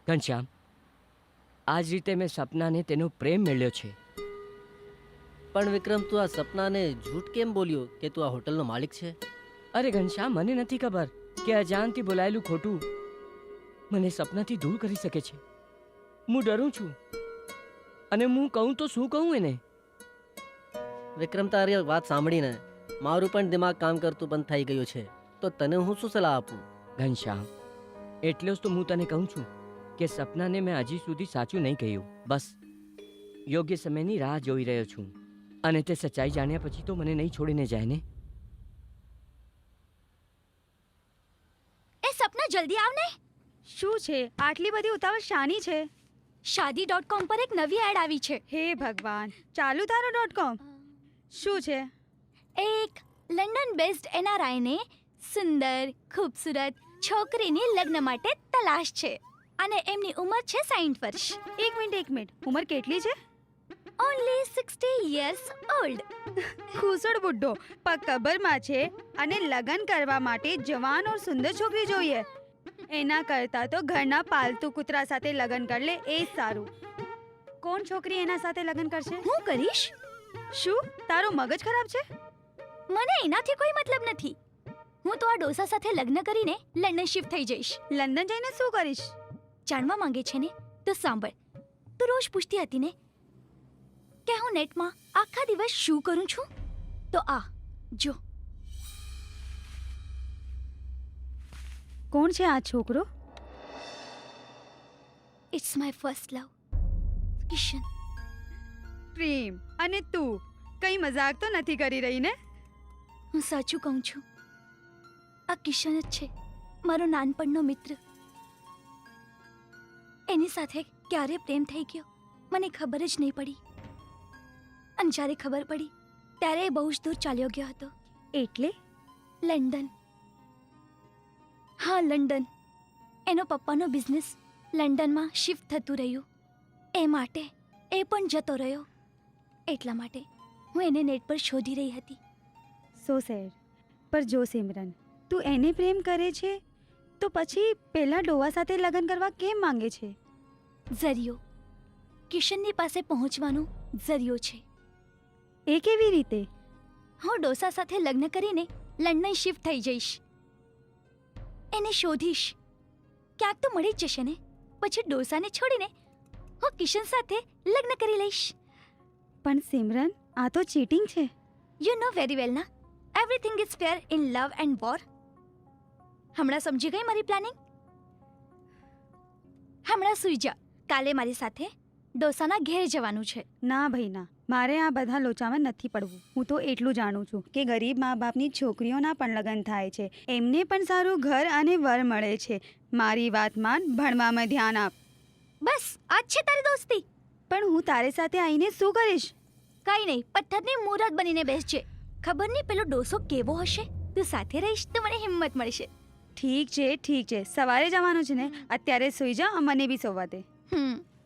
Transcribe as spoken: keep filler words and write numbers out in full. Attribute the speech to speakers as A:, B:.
A: ઘનશ્યામ, આ જ રીતે મેં સપનાને તેનો પ્રેમ મેળ્યો છે.
B: પણ વિક્રમ, તું આ સપનાને જૂઠ કેમ બોલ્યો કે તું આ હોટલનો માલિક છે?
A: અરે ઘનશ્યામ, મને નથી ખબર કે અજાણથી બોલાયેલું ખોટું મને સપનાથી દૂર કરી શકે છે. હું ડરું છું, અને હું કહું તો શું કહું એને?
B: વિક્રમ, તારી વાત સાંભળીને મારું પણ દિમાગ કામ કરતું બંધ થઈ ગયું છે. તો તને હું શું સલાહ આપું?
A: ઘનશ્યામ, એટલે જ તો હું તને કહું છું કે સપનાને મેં હજી સુધી સાચું નહીં કહ્યું. બસ યોગ્ય સમયની રાહ જોઈ રહ્યો છું, અને તે સચ્ચાઈ જાણ્યા પછી તો મને નહીં છોડીને જાય ને.
C: એ સપના, જલ્દી આવ ને.
D: શું છે આટલી બધી ઉતાવળ શાની છે?
C: શાદી ડોટ કોમ પર એક નવી એડ આવી છે.
D: હે ભગવાન, ચાલુ તારો ડોટ કોમ. શું છે?
C: એક લંડન બેઝડ એનઆરઆઈને સુંદર ખૂબસૂરત છોકરીની લગ્ન માટે તલાશ છે, અને એમની ઉંમર છે સાઠ વર્ષ.
D: એક મિનિટ એક મિનિટ ઉંમર કેટલી છે?
C: Only sixty years old.
D: ખુસડ બુઢ્ઢો પગ કબરમાં છે, અને લગ્ન કરવા માટે જવાન ઓર સુંદર છોકરી જોઈએ. એના કરતાં તો ઘરના પાલતુ કૂતરા સાથે લગ્ન કરી લે એ જ સારું. કોણ છોકરી એના સાથે લગ્ન કરશે?
C: હું કરીશ.
D: શું તારો મગજ ખરાબ છે?
C: મને એનાથી કોઈ મતલબ નથી. હું તો આ ડોસા સાથે લગ્ન કરીને લંડન શિફ્ટ થઈ જઈશ.
D: લંડન જઈને શું કરીશ?
C: જાણવા માંગે છે ને તો સાંભળ. તું રોજ પૂછતી હતી ને કે હું નેટમાં આખા દિવસ શું કરું છું, તો આ જો.
D: કોણ છે આ છોકરો?
C: It's my first love, Kishan.
D: પ્રેમ અને તું કઈ મજાક તો નથી કરી રહી ને?
C: હું સાચું કહું છું. આ કિશન જ છે, મારો નાનપણનો મિત્ર. એની સાથે ક્યારે પ્રેમ થઈ ગયો મને ખબર જ નહીં પડી, અને જ્યારે ખબર પડી ત્યારે એ બહુ જ દૂર ચાલ્યો ગયો હતો.
D: એટલે
C: લંડન. હા, લંડન. એનો પપ્પાનો બિઝનેસ લંડનમાં શિફ્ટ થતું રહ્યું, એ માટે એ પણ જતો રહ્યો. એટલા માટે હું એને નેટ પર શોધી રહી હતી.
D: So sad. પર જો સિમરન, તું એને પ્રેમ કરે છે તો પછી પેલા ડોવા સાથે લગ્ન કરવા કેમ માંગે છે?
C: ઝરિયો. કિશનની પાસે પહોંચવાનો ઝરિયો છે.
D: એ કેવી રીતે?
C: હું ડોસા સાથે લગ્ન કરીને લંડન શિફ્ટ થઈ જઈશ. એને શોધીશ. ક્યાંક તો મળી જ જશે ને. પછી ડોસાને છોડીને હું કિશન સાથે લગ્ન કરી લઈશ.
D: પણ સિમરન, આ તો ચીટિંગ છે.
C: યુ નો વેરી વેલ ના, everything is fair in love and war. હમણાં સમજી ગઈ મારી પ્લાનિંગ? હમણાં સૂઈ જા. કાલે મારી સાથે ડોસાના ઘેર જવાનું છે.
D: ના ભાઈ ના, મારે આ બધા લોચામાં નથી પડવું. હું તો એટલું જાણું છું કે ગરીબ મા બાપની છોકરીઓના પણ લગ્ન થાય છે, એમને પણ સારું ઘર અને વર મળે છે. મારી વાત માન, ભણવામાં ધ્યાન આપ.
C: બસ આજ છે તારી દોસ્તી.
D: પણ હું તારી સાથે આવીને શું કરીશ?
C: કઈ નહીં, પથ્થરની મૂરત બનીને બેસજે. ખબર નહીં પેલો ડોસો કેવો હશે. તું સાથે રહીશ તો મને હિંમત મળશે.
D: ઠીક છે ઠીક છે, સવારે જવાનું છે ને, અત્યારે સૂઈ જા, મને બી સોવા દે.
C: હમ